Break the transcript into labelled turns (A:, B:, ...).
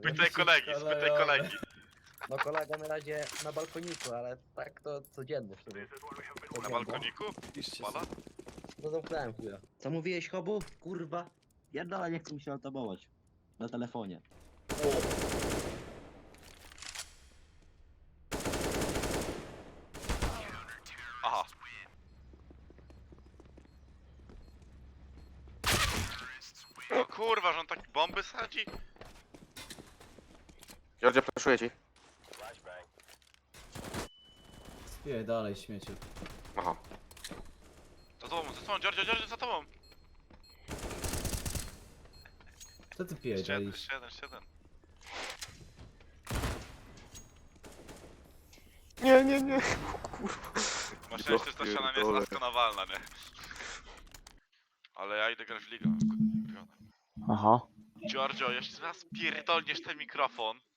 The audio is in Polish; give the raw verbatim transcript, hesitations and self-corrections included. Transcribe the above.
A: Spytaj kolegi, spytaj kolegi.
B: No kolega na razie na balkoniku, ale tak to codziennie w sumie.
A: Na
B: Codziennie.
A: balkoniku?
C: Piszcie
A: Pana?
C: sobie.
B: No zamknąłem chwilę. Co mówiłeś, Hobu? Kurwa. Pierdolę, nie chcę mi się otabować. Na telefonie.
A: Aha. O kurwa, że on tak bomby sadzi?
D: Georgia, proszę ci.
C: Spijaj dalej, śmieciu.
D: Aha.
A: Za tobą, za tobą, Giorgio, Giorgio, za tobą!
C: Co ty pijaj
A: Jeszcze jeden,
C: dalej?
A: jeszcze jeden, jeszcze jeden.
D: Nie, nie, nie.
A: Masz szczęście, że ta ściana nie jest laskonowalna, nie? Ale ja idę grać w ligę.
D: Aha.
A: Giorgio, jeszcze raz pierdolniesz ten mikrofon.